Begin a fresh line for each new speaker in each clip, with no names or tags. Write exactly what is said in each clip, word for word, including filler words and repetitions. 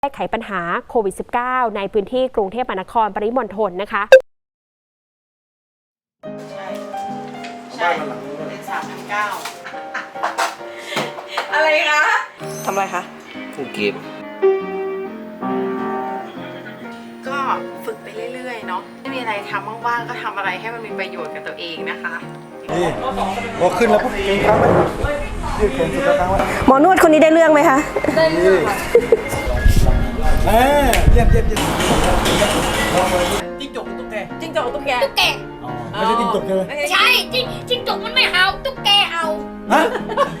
แก้ไขปัญหาโควิด สิบเก้า ในพื้นที่กรุงเทพมหานครปริมณฑลนะคะ
ใช่ใช่เป็นสามพันเก้าอะไรคะทำอะไรคะ
ฟูเกม
ก็ฝึกไปเรื่อยๆเนาะไม่มีอะไรทำว่างๆก็ทำอะไรให้มันมีประโยชน์กับตัวเองนะคะ
นี่พอขึ้นแล้วปุ๊บเก่งครับยืดแขนสุดแล้วครับ
หมอนวดคนนี้ได้เรื่องไหมคะ
ได้เรื่องเออเยี่ยมเยี่ยมเยี่ยมจิ้งจกตุ๊กแก
จิ้งจกตุ๊กแก
ตุ๊กแก
ไม่ใช่จิ้งจกใช่ไหม
ใช่จิ้งจิ้งจกมันไม่เห่าตุ๊กแกเห่า
ฮะ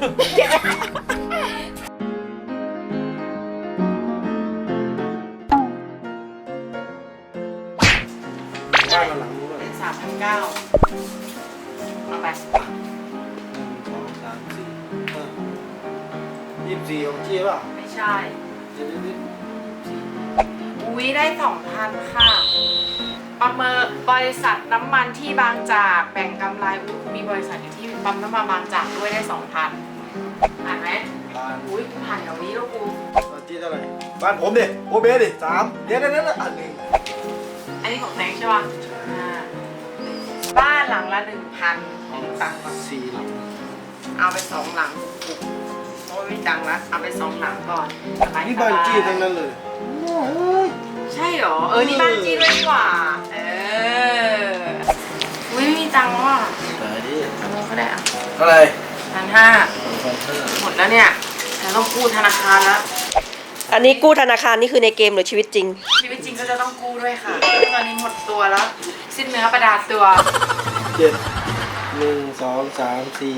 บ้านหลังนู้น
เป็นสามพันเก้าเอาไป
หนึ่งสองสามสี่ห้ายี่สิบสี่ของเจี๊ยบอ่ะ
ไม่ใช่
เดี๋ยวนี้สี่
อุ้ยได้สองพันค่ะประเมินบริษัทน้ำมันที่บางจากแบ่งกำไรมีบริษัทอยู่ที่ปั๊มน้ำมันบางจากด้วยได้สองพันอ่านไหม
บ้าน
อุ้ยผ่านแถวนี้แล้วกู
บ้านที่เท่าไหร่บ้านผมดิโอเบดิสามเดี๋ยวนั้นนั่นอันหนึ่ง
อันนี้ของแตงใช่ป่ะบ้านหลังละหนึ่งพันตังค์
สี่หลัง
เอาไปสองหลังโอ้ยไม่ตังค์ละเอาไปสองหลังก่อน
นี่บ้านจี้ทั้งนั้นเลย
ใช่หรอเออนี่บ้านจี้ด้วยดีกว่าเอออุ้ยไม่มีตังค์ว่ะ
ตายดิ
ทำไงก็ได้อะ
เท่าไหร่
พันห้าหมดแล้วเนี่ยฉันต้องกู้ธนาคารแล้ว
อันนี้กู้ธนาคารนี่คือในเกมหรือชีวิตจริง
ชีวิตจริงก็จะต้องกู้ด้วยค่ะตอนนี้หมดตัวแล้วสิ้นเนื้อประดาตัว
เจ็ดหนึ่งสองสามสี่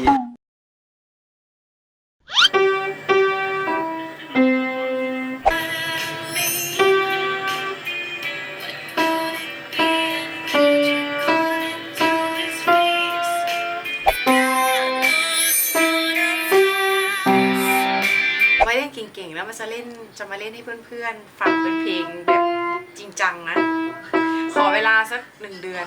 ไว้เล่นเก่งๆแล้วมันจะเล่นจะมาเล่นให้เพื่อนๆฟังเป็นเพลงแบบจริงจังนะขอเวลาสักหนึ่งเดือน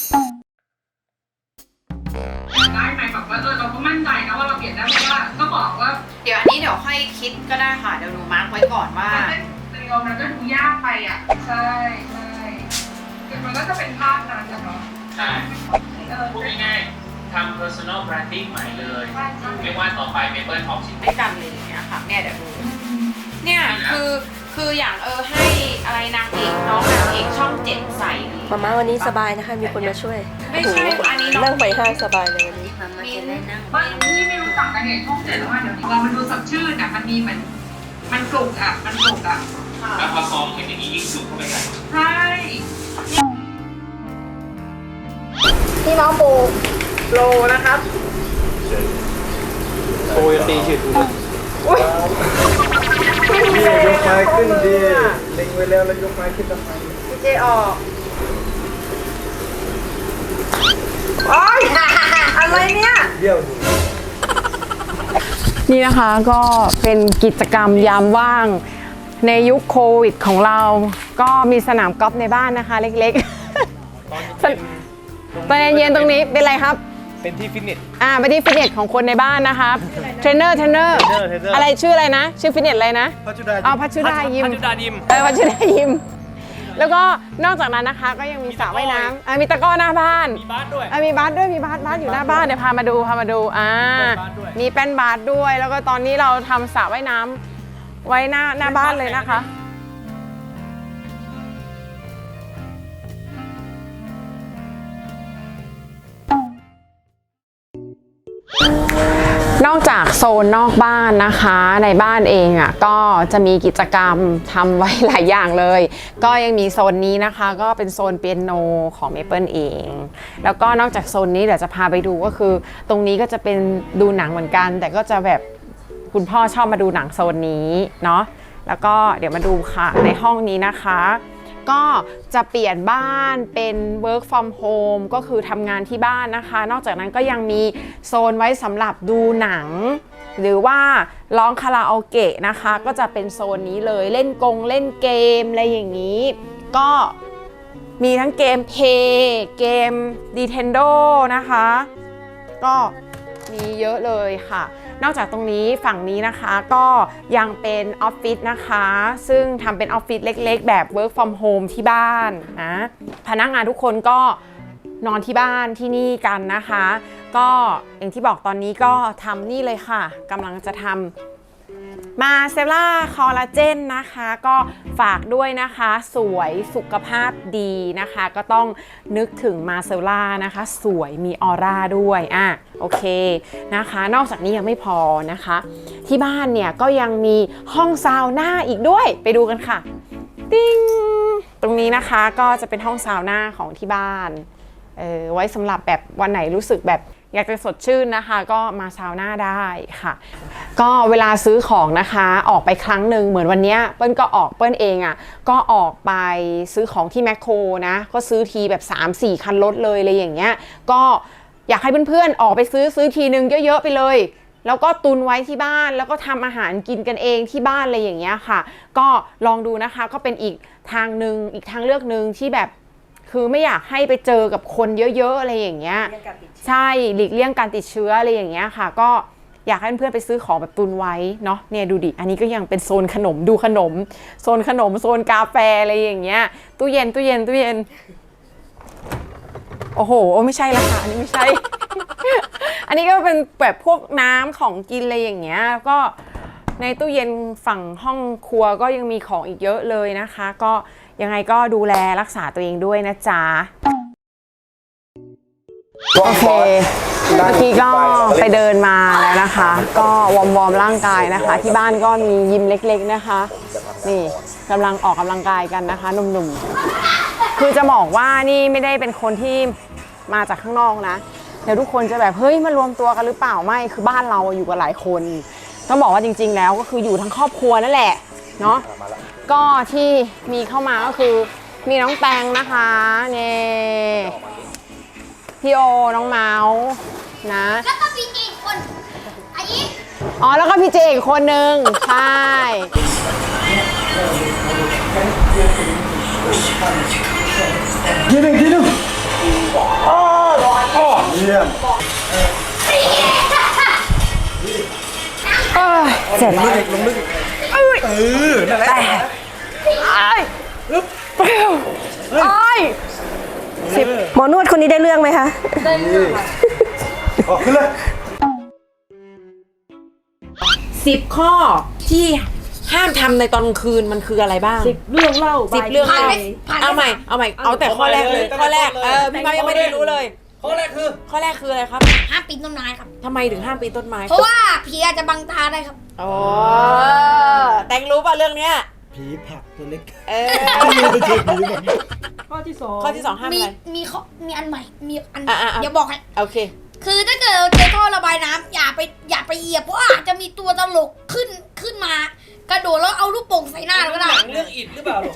ได้ไหมแบบว่าเออเราก็มั่นใจนะว่าเราเปลี่ยนได้เพราะว่าก็บอกว่า
เดี๋ยวอันนี้เดี๋ยวค่อยคิดก็ได้ค่ะเดี๋ยวหนูมาร์คไว้ก่อนว่า
สตูดิโอมันก็ดูยากไปอ่ะใช่ใช่คือมันก็จะเป็นภาพนั้นเนาะ
ใช่พูดง่ายๆทำ personal branding ใหม่เลยเรียกว่าต่อไป Maple Talk ชิ้น
ด้วยกันเลยเนี่ยค่ะเนี่ยเดี๋ยวดูเนี่ยคือคืออย่างเออให้อะไรนางเอกน้องนางเอกช่องเจ็ดใส่
มาม่าวันนี้สบายนะคะมีคนมาช่วย
ไม่ใช่อันนี้
นั่งไปห้างสบายเลยวันนี้
มี
บางที่ไม่รู้จักกันเนี่ยช่องเจ็ดว่าเดี๋ยวนี้พอมันดูสดชื่นอ่ะมันมีเหมือนมันปลุกอ่ะมันปลุกอ่ะ
แล้วพอซองเห็นอย่างนี้ยิ่งสุกเข้าไปใหญ่
ใช่
พี่น้องปูโลนะครับ
โอ้ยตีฉิดนี่ยกไม้ขึ้นดีเล็งไว้แล้วแล้วยกไม้ขึ้นทำไม
พี่เจออกโอ๊ยอะไรเนี่ย
เดี่ยว
นี่นะคะก็เป็นกิจกรรมยามว่างในยุคโควิดของเราก็มีสนามกอล์ฟในบ้านนะคะเล็กๆตอนเย็นๆตรงนี้เป็นอะไรครับ
เป็นที่ฟิตเนส
อ่าเป็นที่ฟิตเนสของคนในบ้านนะครับเทรนเนอร์เทรนเนอร์อะไรชื่ออะไรนะชื่อฟิตเนสอะไรนะ
พัชดา
อ๋อพัชดายิม
พัชดายิม
เออพัชดายิมแล้วก็นอกจากนั้นนะคะก็ยังมีสระว่ายน้ำอ่ามีตะกร้อหน้าบ้าน
มีบาสด้วย
อ่ามีบาสด้วยมีบาสบาสอยู่หน้าบ้านเดี๋ยวพามาดูพามาดูอ่ามีแป้นบาสด้วยแล้วก็ตอนนี้เราทำสระว่ายน้ำไว้หน้าหน้าบ้านเลยนะคะนอกจากโซนนอกบ้านนะคะในบ้านเองอ่ะก็จะมีกิจกรรมทำไว้หลายอย่างเลยก็ยังมีโซนนี้นะคะก็เป็นโซนเปียโนของ Maple เองแล้วก็นอกจากโซนนี้เดี๋ยวจะพาไปดูก็คือตรงนี้ก็จะเป็นดูหนังเหมือนกันแต่ก็จะแบบคุณพ่อชอบมาดูหนังโซนนี้เนาะแล้วก็เดี๋ยวมาดูค่ะในห้องนี้นะคะก็จะเปลี่ยนบ้านเป็น work from home ก็คือทำงานที่บ้านนะคะนอกจากนั้นก็ยังมีโซนไว้สำหรับดูหนังหรือว่าร้องคาราโอเกะนะคะก็จะเป็นโซนนี้เลยเล่นกงเล่นเกมอะไรอย่างนี้ก็มีทั้งเกม Play เกม Nintendo นะคะก็มีเยอะเลยค่ะนอกจากตรงนี้ฝั่งนี้นะคะก็ยังเป็นออฟฟิศนะคะซึ่งทำเป็นออฟฟิศเล็กๆแบบ work from home ที่บ้านนะพนักงานทุกคนก็นอนที่บ้านที่นี่กันนะคะก็อย่างที่บอกตอนนี้ก็ทำนี่เลยค่ะกำลังจะทำมาเซล่าคอลลาเจนนะคะก็ฝากด้วยนะคะสวยสุขภาพดีนะคะก็ต้องนึกถึงมาเซล่านะคะสวยมีออร่าด้วยอ่ะโอเคนะคะนอกจากนี้ยังไม่พอนะคะที่บ้านเนี่ยก็ยังมีห้องซาวน่าอีกด้วยไปดูกันค่ะติ้งตรงนี้นะคะก็จะเป็นห้องซาวน่าของที่บ้านเออไว้สำหรับแบบวันไหนรู้สึกแบบอยากจะสดชื่นนะคะก็มาซาวน่าได้ค่ะก็เวลาซื้อของนะคะออกไปครั้งหนึ่งเหมือนวันนี้เปิ้ลก็ออกเปิ้ลเองอ่ะก็ออกไปซื้อของที่แมคโครนะก็ซื้อทีแบบ สามสี่ คันรถเลยอะไรอย่างเงี้ยก็อยากให้เพื่อนๆออกไปซื้อซื้อทีนึงเยอะๆไปเลยแล้วก็ตุนไว้ที่บ้านแล้วก็ทำอาหารกินกันเองที่บ้านอะไรอย่างเงี้ยค่ะก็ลองดูนะคะก็เป็นอีกทางหนึ่งอีกทางเลือกหนึ่งที่แบบคือไม่อยากให้ไปเจอกับคนเยอะๆอะไรอย่างเงี้ยใช่หลีกเลี่ยงการติดเชื้ออะไรอย่างเงี้ยค่ะก็อยากให้เพื่อนๆไปซื้อของแบบตุนไว้เนาะเนี่ยดูดิอันนี้ก็ยังเป็นโซนขนมดูขนมโซนขนมโซนกาแฟอะไรอย่างเงี้ยตู้เย็นตู้เย็นตู้เย็นโอ้โหไม่ใช่ละค่ะอันนี้ไม่ใช่ อันนี้ก็เป็นแบบพวกน้ำของกินอะไรอย่างเงี้ยก็ในตู้เย็นฝั่งห้องครัวก็ยังมีของอีกเยอะเลยนะคะก็ยังไงก็ดูแลรักษาตัวเองด้วยนะจ๊ะโอเคเมื่อกี้ก็ไปเดินมาแล้วนะคะก็วอร์มวอร์มร่างกายนะคะที่บ้านก็มียิมเล็กๆนะคะนี่กำลังออกกำลังกายกันนะคะหนุ่มๆคือจะบอกว่านี่ไม่ได้เป็นคนที่มาจากข้างนอกนะเดี๋ยวทุกคนจะแบบเฮ้ยมารวมตัวกันหรือเปล่าไม่คือบ้านเราอยู่กับหลายคนต้องบอกว่าจริงๆแล้วก็คืออยู่ทั้งครอบครัวนั่นแหละเนาะก็ที่มีเข้ามาก็คือมีน้องแตงนะคะเนี่ยพี่โอน้องเมาส์นะ
แล้วก็มีอีกคนอันนี้
อ๋อแล้วก็พี่เจอีกคนนึงใช่
ทีหนึ่งทีหนึ่งอ๋ออ๋อเยี่ยม
เสร็จ
ลงลึกอีกลงลึกอีกเออนั่นแหละ
ไอ้อึ๊บเปรี้ยวไอ้
สิบหมอนวดคนนี้ได้เรื่องไหมคะ
ได้เรื่องค่ะออกขึ้นเลย
สิบข้อที่ห้ามทำในตอนกลางคืนมันคืออะไรบ้างสิบเรื่องเล่าสิบเรื่อง
ผ่าน
เล่า
ไปผ่านไป
เอาใหม่เอาใหม่เอาแต่ข้อแรกเลยข้อแรกเออพี่เขายังไม่ได้รู้เลยข้อแรกคือข้อแรกคืออะไรครับ
ห้ามปีนต้นไม้ครับ
ทำไมถึงห้ามปีนต้นไม้
เพราะว่าผีอาจจะบังตาได้ครับ
โอ้แตงรู้ป่ะเรื่องเนี้ย
ผีผักตัวเล็ก
เออ
ไม่ใช่ผีแบบ
ข้อที่สองข้อที่สองห้าม
มี
อะไร
มีข้อมีอันใหม่มีอัน
อ่ะอ่ะอ่ะ
เดี๋ยวบอกให้
โอเค
คือถ้าเกิดเราเจอท่อระบายน้ำอย่าไปอย่าไปเหยียบเพราะอาจจะมีตัวตลกขึ้นขึ้นมา กระโดดแล้วเอาลูกโป่งใส่หน้าเราก็ได้
เรื่องอิดหรือเปล่าลูก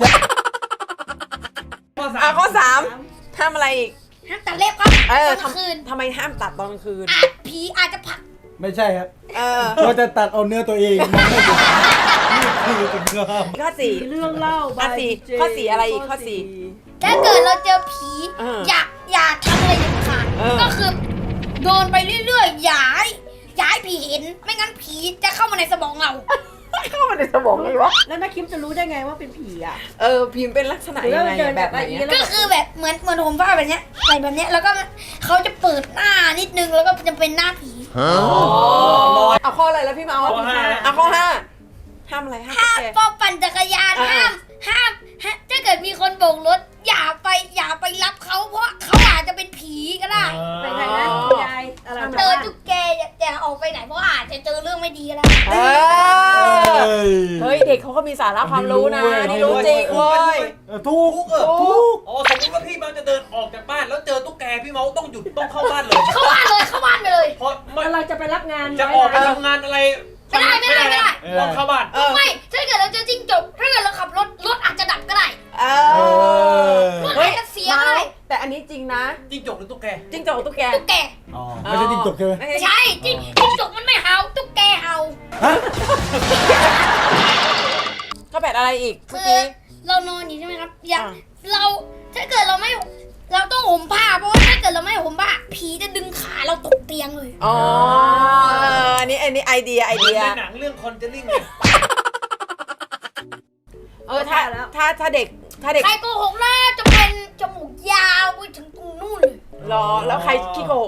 อ่ะข้อสามห้ามอะไรอีก
ห้ามตัดเล็บครับ
เออ
ตอนกลางคืน
ทำไมห้ามตัดตอนกลางคืน
อาจผีอาจจะผลัก
ไม่ใช่ครับ
เออ
เราจะตัดเอาเนื้อตัวเองมันไม่ถูกนี่คือเป็นเนื้อห้าม
ข้อสี่เรื่องเล่าอ่ะสี่ข้อสี่อะไรอีกข้อสี่
ถ้าเกิดเราเจอผี
เออ
อย่าอย่าทำอะไรเด็ดขาด
เออ
ก็คือโดนไปเรื่อยๆอย่าให้อย่าให้ผีเห็นไม่งั้นผีจะเข้ามาในสมองเรา
เข้ามาในสมองเลยวะ
แล้วนักคิมจะรู้ได้ไงว่าเป็นผีอ่ะ
เออพิมพ์เป็นลักษณะยังไง
เดิน
แบบไหน
แบบนี้
อะ
ก็คือแบบเหมือนเหมือนผมว่าแบบเนี้ยใส่แบบเนี้ยแล้วก็เขาจะเปิดหน้านิดนึงแล้วก็จะเป็นหน้าผี
เอาข้ออะไรแล้วพี่เมาส์
ข้อห้า
เอาข้อห้าห้ามอะไรห้าม
ห้าม
แก
พอปั่นจักรยาน
อ่า
ห้ามห้ามห้ามถ้าเกิดมีคนโบกรถอย่าไปอย่าไปรับเขาเพราะเขาอาจจะเป็นผีก็ได้
ไปไหนนะคุณยายอะไร
เจอตุ๊กแกอย่าอย่าออกไปไหนเพราะอาจจะเจอเรื่องไม่ดีก็ได้
เออเฮ้ยเด็กเขาก็มีสาระความรู้นะนี่รู้จริงเว้ย
เออถูก
เออถูกอ๋อสมมติว่าพี่เมาจะเดินออกจากบ้านแล้วเจอตุ๊กแกพี่เมาต้องหยุดต้องเข้าบ้านเลย
เข้าบ้านเลยเข้าบ้านไปเลย
เพราะไม่
เราจะไปรับงาน
จะออกไปทำงานอะไร
ไม่ได้ไม่ได้ไม่ได้
ต้องเข้าบ้าน
เออ
ไม่ถ้าเกิดเราเจอจิ้งจกถ้าเกิดเราขับรถรถอาจจะดับก็ได้
เอ
เอ
อ
อ
รถอาจจะเสียก็ได้
แต่อันนี้จริงนะ
จิ้งจกหรือตุ๊กแก
จิ้งจกตุ๊กแก
ตุ๊กแก
อ๋อไม่ใช่จิ้งจกใช่ไหม
ไม่ใช่จิ้งจิ้งจกมันไม่เห่าตุ๊กแกเห่า
ฮะ
ก็แบบอะไรอีก
คื
เมื่อ
อ
กี้
เรานอนอยู่ใช่ไหมครับ อย่า
อ่า
เราถ้าเกิดเราไม่เราต้องห่มผ้าเพราะว่าถ้าเกิดเราไม่ห่มผ้าผีจะดึงขาเราตกเตียงเลย
อ๋ออันนี้อันนี้ไอเดียไอ
เหมือ
เดี
น
ย
ในหนังเรื่องคอนเจลิ่งเลย
เออถ้าถ้าถ้าเด็กถ้าเด็ก
ใครโกหกน่าจะเป็นจมูกยาวไปถึงตรงนู่นเลย
รอแล้วใครขี้โกหก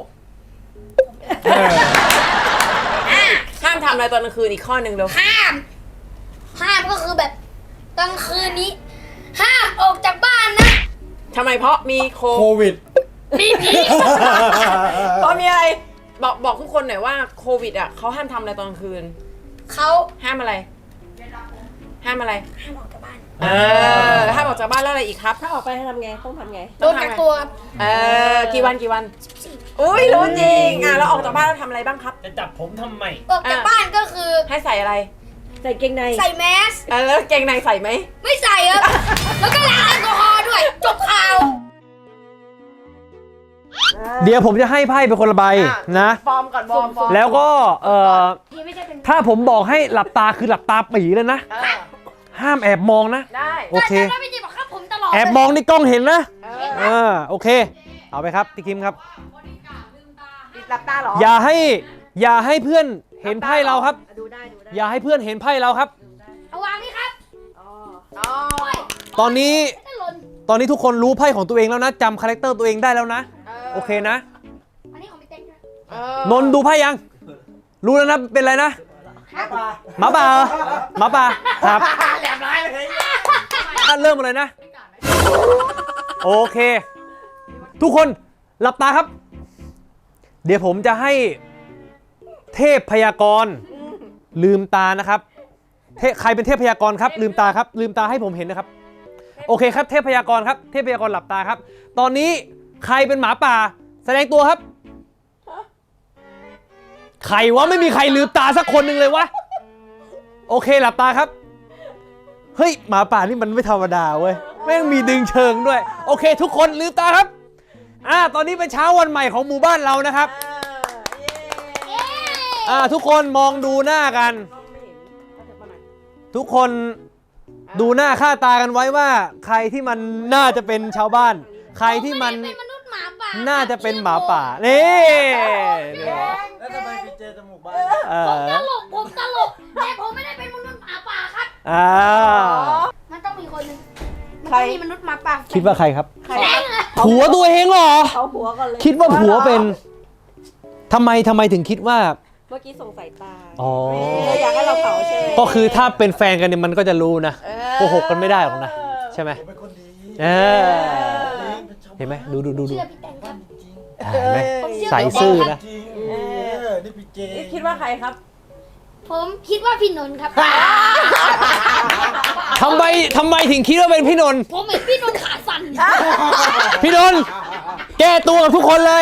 ห้ามทำอะไรตอนกลางคืนอีกข้อหนึ่งเร็ว
ห้าม ห้ามก็คือแบบกลางคืนนี้ ห้ามออกจากบ้านนะ
ทำไมเพราะมีโค
โควิด
มีผี
เพราะมีอะไรบอกบอกทุกคนหน่อยว่าโควิดอ่ะเขาห้ามทำอะไรตอนกลางคืน
เขา
ห้ามอะไร ห้ามอะไร
ห้ามออกจากบ้าน
เออห้ามออกจากบ้านแล้วอะไรอีกครับ
ถ้าออกไปทำไงต้องทำไง
โดนกักตัวครับ
เออกี่วันกี่วันอุ้ยรู้จริงอ่ะแล้วออกจากบ้านแล้วทำอะไรบ้างครับ
จะจับผมทำไม
ออกจากบ้านก็คือ
ให้ใส่อะไร
ใส่เกงใน
ใส่แมส
เออแล้วเกงในใส่ไหม
ไม่ใส่ครับ แล้วก็ล้างแอลกอฮอล์ด้วย จบข่าว
เดี๋ยวผมจะให้ไพ่เป็นคนละใบ
อ่ะ
นะ
ฟอร์มก่อนฟอร์มฟอร์ม
แล้วก็เอ่อ
พี่ไม่ใช่เป็น
ถ้าผมบอกให้หลับตาคือหลับตาปีเลยนะ
เออ
ห้ามแอบมองนะ
ได้
โอเค
แต่ถ้าพี่จีบอกครับผมตลอด
แอบมองนี่กล้องเห็นนะ
เออ
เออโอเค เอาไปครับพี่คิมครับ
ปิดหลับตาเหรอ
อย่าให้อย่าให้เพื่อนเห็นไพ่เราครับ
ดูได้ดูได้
อย่าให้เพื่อนเห็นไพ่เราครับ
เอาวางนี่ครับ
อ๋อ
อ๋อ
ตอนนี้
ไม่หล่น
ตอนนี้ทุกคนรู้ไพ่ของตัวเองแล้วนะจำคาแรคเตอร์ตัวเองได้แล้วนะโอเคนะ
อันนี้ของพี่เต้นด้วย
เออน
นท์ดูไพ่ยัง รู้แล้วนะเป็นอะไรนะหมาป่าเหรอหมาป่าครับ
แหลมร้ายเลย
อ่ะเริ่มมาเลยนะ โอเค ทุกคนหลับตาครับ เดี๋ยวผมจะให้เทพพยากรณ์ลืมตานะครับเทใครเป็นเทพพยากรณ์ครับ ลืมตาครับ ลืมตาให้ผมเห็นนะครับ โอเคครับเทพพยากรณ์ครับเทพพยากรณ์หลับตาครับ ตอนนี้ใครเป็นหมาป่า แสดงตัวครับใครวะไม่มีใครลืมตาสักคนหนึ่งเลยวะโอเคหลับตาครับ เฮ้ยหมาป่านี่มันไม่ธรรมดาเว้ยแม่งมีดึงเชิงด้วยโอเค ทุกคนลืมตาครับอ่าตอนนี้เป็นเช้าวันใหม่ของหมู่บ้านเรานะครับอ่าทุกคนมองดูหน้ากัน ทุกคนดูหน้าค่าตากันไว้ว่า ใครที่มันน่าจะเป็นชาวบ้าน ใครที่มัน
ผไได้เป็นมนุษย์หมาป่า
น่าจะเป็นหมาป่านี่
แล้วทำไมไปเจอจมูกบ้าน
เอ
ผม
อ
ตลกผมตลกแต่ผมไม่ได้เป็นมนุษย์หมาป่าครับ
อ่า
มันต้องมีคนหนึงมัน
ใคร
ต้องมีมนุษย์หมาป่า
คิดว่าใครครับ
แฟงอะ
ผัวตัวเองเหรอ
เขาหัวก่อนเลย
คิดว่าผัวเป็นทำไมทำไมถึงคิดว่า
เมื่อกี้ส่งสายตา
อ๋อ
เอออยากให้เราเผาใช่ไหม
ก็คือถ้าเป็นแฟนกันเนี่ยมันก็จะรู้นะ
เออ
โกหกกันไม่ได้หรอกนะใช่ไหม
ผมเป็นคนดี
เออ
เป็นชาวบ้าน
เห็นไหมดูดูดูดู
เชื่อพี่แตงครับ
เห็นไหม
ผมเชื่อ
ใส่ซื่อนะ
จริงเออนี่พี่เจ
คิดว่าใครครับ
ผมคิดว่าพี่นนท์ครับ
ทำไมทำไมถึงคิดว่าเป็นพี่นนท์
ผมเห็นพี่นนท์ขาสั่น
พี่นนท์แก้ตัวกับทุกคนเลย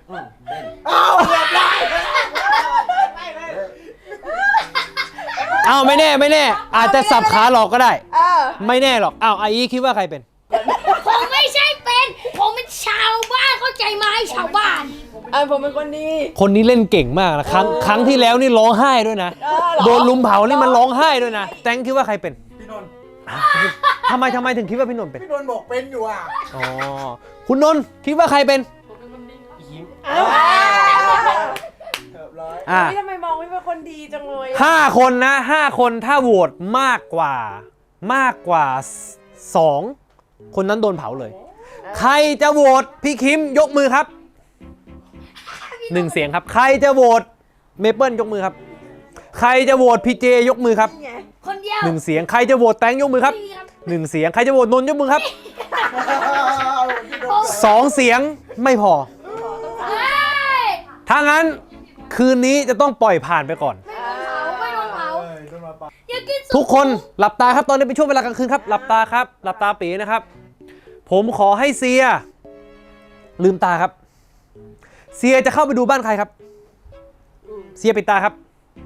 อ้าวไม่แน่ไม่แน่ อาจจะสับขาหลอกก็ได้
เออ
ไม่แน่หรอกอ้าวไอ้คิดว่าใครเป็น
ผมไม่ใช่เป็น ผมเป็นชาวบ้านเข้าใจไหมชาวบ้าน
เออผมเป็นคนดี
คนนี้เล่นเก่งมากนะครั้งครั้งที่แล้วนี่ร้องไห้ด้วยนะ
เออเหรอ
โดนลุมเผานี่มันร้องไห้ด้วยนะแตงคิดว่าใครเป็น
พี่นนท์
ทำไมทำไมถึงคิดว่าพี่นนท์เป็น
พี่นนท์บอกเป็นอยู่อ่ะ
อ๋อคุณนนท์คิดว่าใครเป็น
พี่คิม
เออ
เรียบร้อย
อ่า
ทำไมมองไม่เป็นคนดีจังเลยอะ
ห้าคนนะห้าคนถ้าโหวตมากกว่ามากกว่าสองคนนั้นโดนเผาเลย ใครจะโหวตพี่คิมยกมือครับหนึ่งเสียงครับ ใครจะโหวตเมเปิลยกมือครับ ใครจะโหวตพีเจยกมือครับ
คนเดียว
หนึ่งเสียงใครจะโหวตแตงยกมือครับ
พี่ครับ
หนึ่งเสียงใครจะโหวตนนท์ยกมือครับ
พี่นนท์
สองเสียงไม่พอ
เฮ้ย
ถ้างั้นคืนนี้จะต้องปล่อยผ่านไปก่อน
ไม่โดนเผา
เอ้ยโดนมาปะ
อย่ากินสุ
ทุกคนหลับตาครับตอนนี้เป็นช่วงเวลากลางคืนครับหลับตาครับหลับตาปีนะครับ ผมขอให้เซีย ลืมตาครับ เซียจะเข้าไปดูบ้านใครครับ เซียปิดตาครับ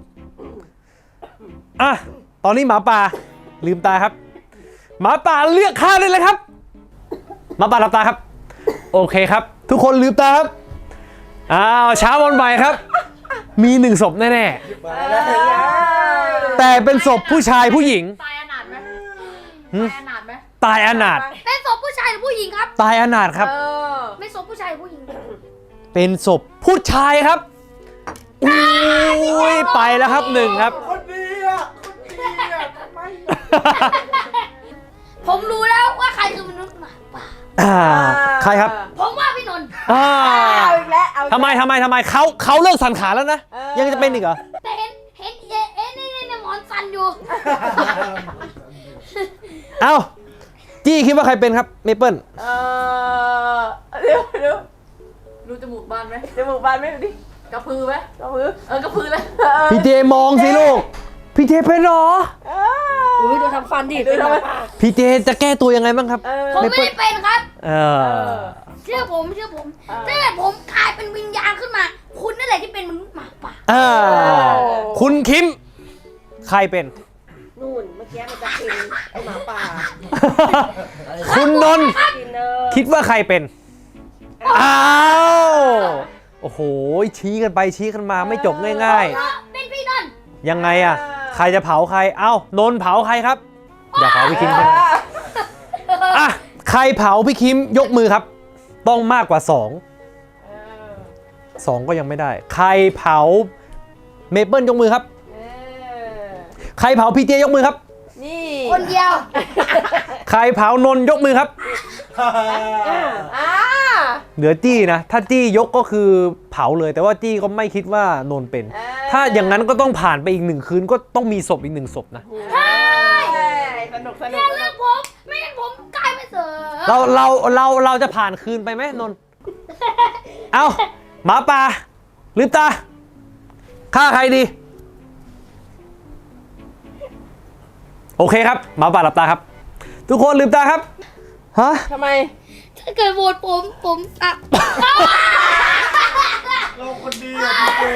อ่ะตอนนี้หมาป่าลืมตาครับ หมาป่าเลือกข้างได้เลยครับหมาป่าหลับตาครับ โอเคครับ ทุกคนลืมตาครับอ้าวเช้าวันใหม่ครับ มีหนึ่งศพแน่
มาแล้ว
ๆแต่เป็นศพผู้ชายผู้หญิง
ตายอนาถไหม
หืม
ตายอนาถไหม
ตายอนาถ
เป็นศพผู้ชายหรือผู้หญิงครับ
ตายอนาถครับ
เออ
ไม่ศพผู้ชายผู้หญิง
เป็นศพผู้ชายครับอุ้ยไปแล้วครับหนึ่งครับ
คนดีอ่ะคนดีอ่ะทำไม
ผมรู้แล้วว่าใครคือมนุษย์หมาป่า
อ่าใครครับ
ผมว่าพี่นนท์
อ่า
เอาอีกแล้วเอาอีกแล้ว
ทำไมทำไมทำไมเขาเขาเลิกสันขาแล้วนะ
เออ
ยังจะเป็นอีกเหรอ
แต่เห็นเห็นเอ๊ะเอ๊ะนี่นี่นี่หมอนสันอยู่
เอ้าจี้คิดว่าใครเป็นครับเมเปิล
เออเดี๋ยวเดี๋ยวดูจมูกบานไหมจมูกบานไหมดูดิกระพือไหมกระพือเออกระพือเลยเออ
พี่เจมองสิลูกพี่เจเป็นเหรอ
เออดูทำฟันดิดูทำไม
พี่เจจะแก้ตัวยังไงบ้างครับ
เออ
ผมไม่ได้เป็นครับ
เออ
เชื่อผมเชื่อผมถ้าเกิดผมกลายเป็นวิญญาณขึ้นมา คุณนั่นแหละที่เป็นมนุษย์หมาป่า
อ่าคุณคิมใครเป็น
นู่นเมื่อกี้มันจะกินไอหมาป่า
คุณนนท์
กินเนอ
คิดว่าใครเป็น อ้าวโอ้โหชี้กันไปชี้กันมาไม่จบง่าย
เพราะเป็นพี่นนท์
ๆ ยังไงอะใครจะเผาใครเอ้านนท์เผาใครครับอย่าเผาพี่คิมครับอ่ะใครเผาพี่คิมยกมือครับ ต้องมากกว่าสองสองก็ยังไม่ได้ ใครเผาเมเปิลยกมือครับ
เออ
ใครเผาพี่เจยกมือครับ
นี่
คนเดียว
ใครเผานนท์ยกมือครับ
อ่า
เหลือจี้นะ ถ้าจี้ยกก็คือเผาเลย แต่ว่าจี้ก็ไม่คิดว่านนท์เป็น ถ้าอย่างนั้นก็ต้องผ่านไปอีกหนึ่งคืนก็ต้องมีศพอีกหนึ่งศพนะ
ใช่สนุกสนุ
อก ย่าเลือกผม ไม่งั้นผมกลายเป็นเสือ
เราเราเราเราจะผ่านคืนไปไหมนนท์ เอาหมาป่าลืมตาฆ่าใครดี โอเคครับหมาป่าหลับตาครับ ทุกคนลืมตาครับฮะ
ทำไม
ถ้าเกิดโหวตผมผมอ่ะ
เราคนดีอ่ะพี่เจ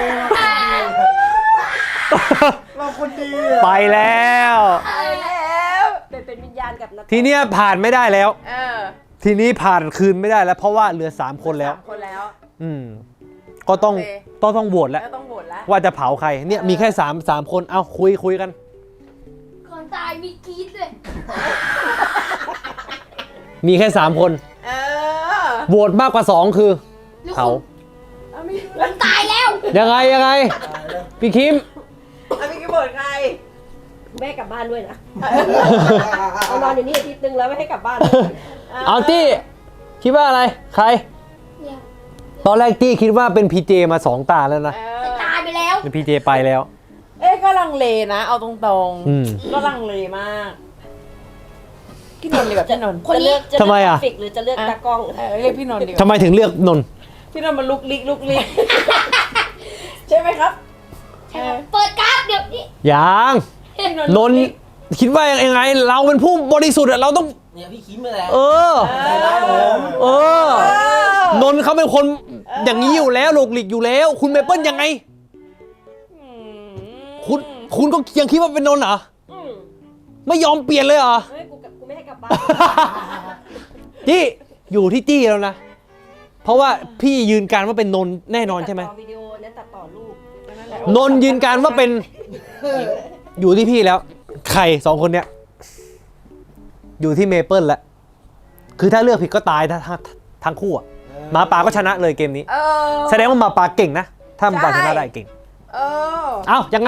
เราคนดีอ่ะ
ไปแล้ว
ไปแล้วเป็นเป็นวิญญาณกับนัก
ทีเนี้ยผ่านไม่ได้แล้ว
เออ
ทีนี้ผ่านคืนไม่ได้แล้ว เพราะว่าเหลือสามคนแล้ว
สามคนแล้ว
อืมก็ต้อง
โอเค
ต้องต้องโหวตแล้ว
แล้วต้องโหวตแล้ว
ว่าจะเผาใครเนี่ยมีแค่สามสามคนเอาคุยคุยกัน
ก่อนตายมีกรีดเลย
มีแค่สามคน
เออ
โหวตมากกว่าสองคือเผา
เอาไม่
ผมตายแล้ว
ยังไงยังไงพี่คิม
เอาไม่กี่โหวตใครแม่กลับบ้านด้วยนะเอานอนอยู่นี่อาทิตย์นึงแล้วไม่ให้กลับบ้าน
เอาจี้คิดว่าอะไรใคร
เนี่ย
ตอนแรกจี้คิดว่าเป็นพีเจมาสองตาแล้วนะ
เอ
จะ
อ
ตายไปแล้ว
เป็นพีเจไปแล้ว
เอ๊ะก็ลังเลนะ เอาตรง
อืม
ๆ ก็ลังเลมากพี่นนท์ดีกว่าพี่นนท์
คนนี้
จะเลือก
ทำไมอะ
กราฟิกหรือจะเลือกตากล้อง
เออเรียกพี่นนท์ดีกว่า
ทำไมถึงเลือกนนท์
พี่นนท์มันลุกลิกลุกลิก ใช่ไหมครับ
ใช่ครับเปิดการ์ดเดี๋ยวนี้
ยัง
พี่
นนท์คิดว่ายังไง เราเป็นผู้บริสุทธิ์อะเราต้อง
เนี่ยพี่คิมมาแล้ว
เออ
ได้แล้วผม
เออ นนท์เขาเป็นคนอย่างนี้อยู่แล้วหลกหลีกอยู่แล้ว คุณเมเปิลยังไง
อืม
คุณคุณก็ยังคิดว่าเป็นนนท์เหรอ
อืม
ไม่ยอมเปลี่ยนเลยเหรอ
เฮ้ยกูกลับกูไม่ให้กลับบ้าน
จี้อยู่ที่จี้แล้วนะ เพราะว่าพี่ยืนการว่าเป็นนนท์แน่นอนใช่ไหม
ตัดต่อวิดีโอนั้นตัดต่อรูปนั่นแหละ
นนท์ยืนการว่าเป็นอยู่ที่พี่แล้ว ใครสองคนเนี้ยอยู่ที่เมเปิลแล้วคือถ้าเลือกผิดก็ตายทั้งทั้งทั้งคู่อะหมาป่าก็ชนะเลยเกมนี้
เออ
แสดงว่าหมาป่าเก่งนะ ถ้าหมาป่าช
ใช่
นะได้เก่ง
เออ
เอ้ายังไง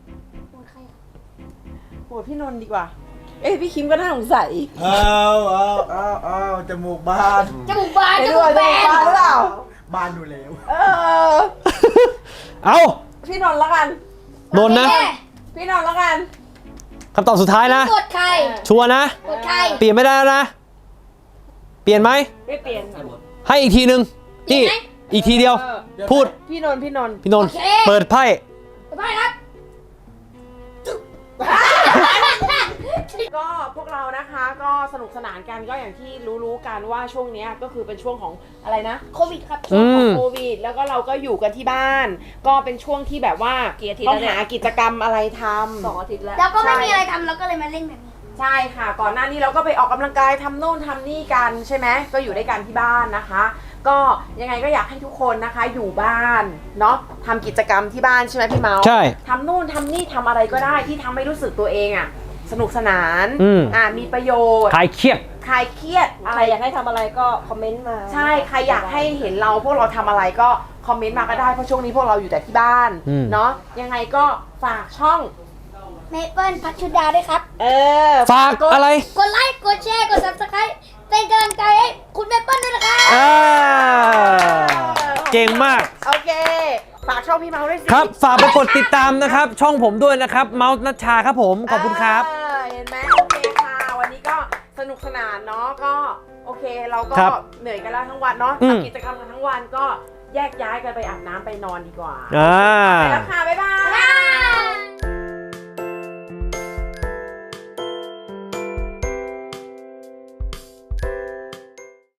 โหวตพี่นนท์ดีกว่า เอ้ยพี่คิมก็น่าสงสัย
เอาเอาเอาเอาจมูกบาน
จมูกบาน
ไอ้
จ
ด้
มู
วย
กแบ
จะมาน หรือเปล่า
บานอยู่แล้ว
เออ
เอ้า
พี่นนท์ละกัน
นนท์นะ
พี่นนท์ละกัน
คำตอบสุดท้ายนะ
กดใคร
ชัวร์นะ
กดใคร
เปลี่ยนไม่ได้แล้วนะ เปลี่ยนไหม
ไม่เปลี่ยน
ให้อีกทีหนึ่งจี้อีกทีเดียว
เออ
พูด
พี่นนท์พี่นนท์
พี่นนท์
โอเค
เปิดไพ่
ไปครับ
ก็พวกเรานะคะก็สนุกสนานกันก็อย่างที่รู้ๆกันว่าช่วงเนี้ยก็คือเป็นช่วงของอะไรนะ
โควิดครับ
ช่วงของ
อืม
โควิดแล้วก็เราก็อยู่กันที่บ้าน ก็เป็นช่วงที่แบบว่า
กี่อาทิตย์
ต้อง
แล้วเนี่ย
หากิจกรรมอะไรทำ
สองอาทิตย์แล้ว
แล้วก็ไม่มีอะไรทำเราก็เลยมาเล่นแบบนี้
ใช่ค่ะ ก่อนหน้านี้เราก็ไปออกกำลังกายทำโน่นทำนี่กันใช่ไหมก็อยู่ด้วยกันที่บ้านนะคะ ก็ยังไงก็อยากให้ทุกคนนะคะอยู่บ้านเนาะทำกิจกรรมที่บ้านใช่ไหมพี่เมาส์
ใช่
ทำนู่นทำนี่ทำอะไรก็ได้ที่ทำให้รู้สึกตัวเองอะสนุกสนาน
อืม
อ่ามีประโยชน์
คลายเครียด
คลายเครียดอะ
ใค
ไร
รอยากให้ทำอะไรก็คอมเมนต์มา
ใช่ใครอยากให้เห็นเราพวกเราทำอะไรก็คอมเมนต์มาก็ได้เพราะช่วงนี้พวกเราอยู่แต่ที่บ้าน
อืม
เนาะยังไงก็ฝากช่อง
เมเปิลพัชชุดาด้วยครับ
เออ
ฝากอะไร
กดไลค์ กดแชร์ กด ซับสไครบ์ เป็นกำลังใจให้คุณเมเปิลด้วยนะครับ
อ่า เก่งมาก
โอเค ฝากช่องพี่เมาส์ด้วยสิ
ครับ ฝากไปกดติดตามนะครับ ช่องผมด้วยนะครับ เมาส์นัชชาครับผม ขอบคุณครับ
เออเห็นไหมโอเคค่ะ วันนี้ก็สนุกสนานเนาะก็โอเคเราก็
ครับ
เหนื่อยกันแล้วทั้งวันเนาะ
อืม
ทำกิจกรรมกันทั้งวันก็แยกย้ายกันไปอาบน้ำไปนอนดีกว่า
อ่า
ไปแล้วค่ะ บ๊ายบาย